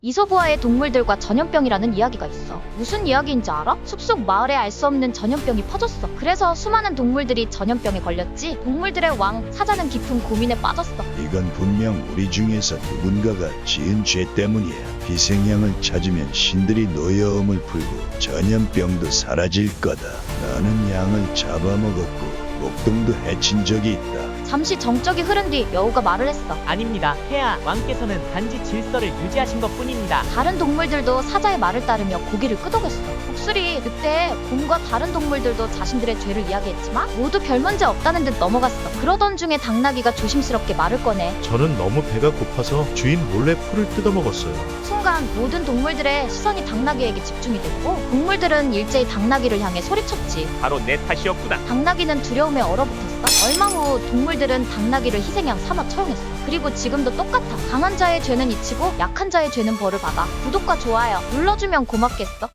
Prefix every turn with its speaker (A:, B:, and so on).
A: 이솝우화의 동물들과 전염병이라는 이야기가 있어. 무슨 이야기인지 알아? 숲속 마을에 알 수 없는 전염병이 퍼졌어. 그래서 수많은 동물들이 전염병에 걸렸지. 동물들의 왕 사자는 깊은 고민에 빠졌어.
B: 이건 분명 우리 중에서 누군가가 지은 죄 때문이야. 희생양을 찾으면 신들이 노여움을 풀고 전염병도 사라질 거다. 나는 양을 잡아먹었고 목동도 해친 적이 있다.
A: 잠시 정적이 흐른 뒤 여우가 말을 했어.
C: 아닙니다. 폐하 왕께서는 단지 질서를 유지하신 것뿐입니다.
A: 다른 동물들도 사자의 말을 따르며 고개를 끄덕였어. 복술이 그때 곰과 다른 동물들도 자신들의 죄를 이야기했지만 모두 별 문제 없다는 듯 넘어갔어. 그러던 중에 당나귀가 조심스럽게 말을 꺼내.
D: 저는 너무 배가 고파서 주인 몰래 풀을 뜯어먹었어요.
A: 순간 모든 동물들의 시선이 당나귀에게 집중이 됐고 동물들은 일제히 당나귀를 향해 소리쳤지.
E: 바로 내 탓이었구나.
A: 당나귀는 두려움에 얼어붙었어. 얼마 후 동물들은 당나귀를 희생양 삼아 처형했어. 그리고 지금도 똑같아. 강한 자의 죄는 잊히고 약한 자의 죄는 벌을 받아. 구독과 좋아요 눌러주면 고맙겠어.